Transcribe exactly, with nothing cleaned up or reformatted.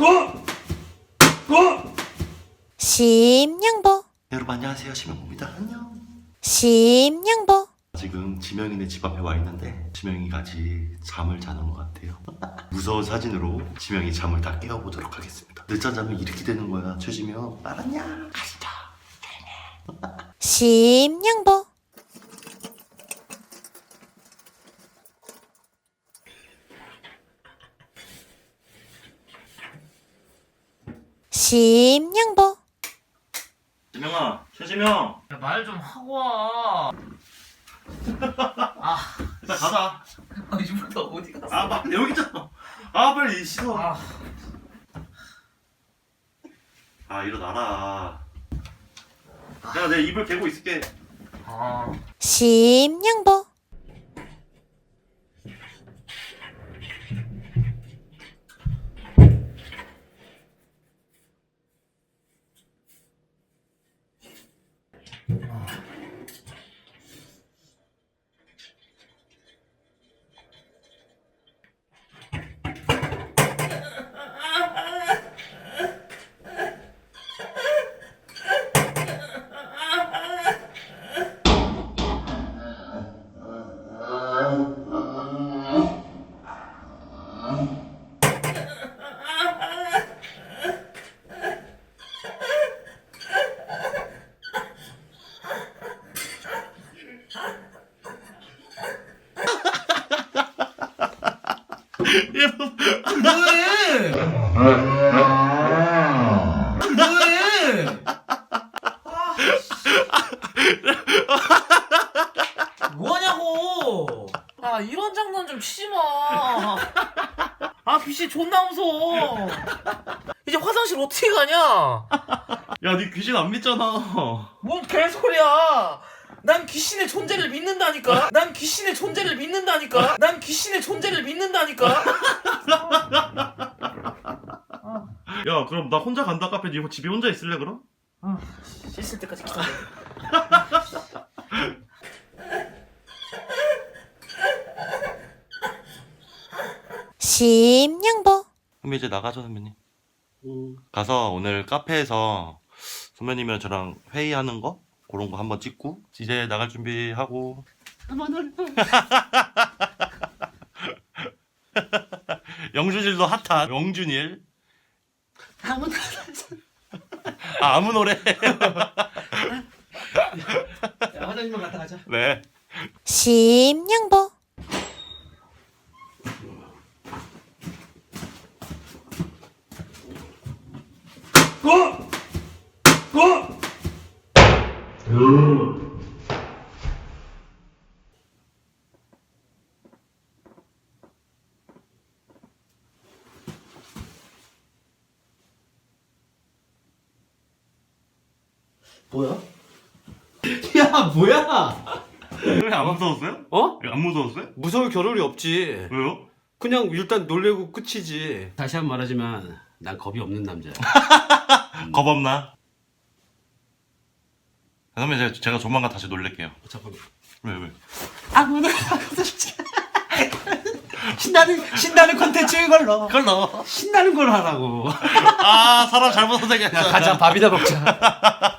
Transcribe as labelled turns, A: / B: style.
A: 고! 고!
B: 심양보
C: 여러분 안녕하세요, 지명입니다. 안녕.
B: 심양보
C: 지금 지명이네 집 앞에 와 있는데 지명이가 아직 잠을 자는 것 같아요. 무서운 사진으로 지명이 잠을 다 깨워보도록 하겠습니다. 늦잠 자면 이렇게 되는 거야. 최지명 알았냐? 가시자.
B: 심양보 심양보
C: 지명아, 최지명.
D: 말 좀 하고 와. 아,
C: 일단 가자.
D: 아 이분도 어디 갔어?
C: 아, 빨리 여기 있잖아. 아, 빨리 씻어.
D: 아,
C: 아, 일어나라. 야, 내 이불 개고 있을게.
D: 아,
B: 심양보
D: 뭐해? 뭐해? 아, 뭐하냐고? 아 이런 장난 좀 치지 마. 아 귀신 존나 무서워. 이제 화장실 어떻게 가냐?
C: 야, 네 귀신 안 믿잖아.
D: 뭔 개소리야! 난 귀신의 존재를 믿는다니까? 난 귀신의 존재를 믿는다니까? 난 귀신의 존재를 믿는다니까?
C: 야, 그럼 나 혼자 간다. 카페 네 집에 혼자 있을래 그럼?
D: 아, 씻을 때까지 기다려.
B: 심양보
C: 그럼 이제 나가죠, 선배님. 가서 오늘 카페에서 선배님이랑 저랑 회의하는 거 그런 거 한번 찍고 이제 나갈 준비하고. 영준일도 핫한 영준일.
D: 아무
C: 아, 아무 노래.
D: 화장실만 갔다 가자.
C: 네.
B: 심양보
A: 고! 고!
D: 뭐야? 야 뭐야?
C: 왜 안 무서웠어요?
E: 어?
C: 안 무서웠어요?
E: 무서울 겨를이 없지.
C: 왜요?
E: 그냥 일단 놀래고 끝이지. 다시 한 번 말하지만 난 겁이 없는 남자야.
C: 겁 없나? 그러면 제가, 제가 조만간 다시 놀랄게요.
E: 잠깐만.
C: 왜 왜?
E: 아무나 신나는 신나는 콘텐츠 이걸로.
C: 그걸 넣어.
E: 신나는 걸 하라고.
C: 아, 사람 잘못 선택했어.
E: 가자 밥이나 먹자.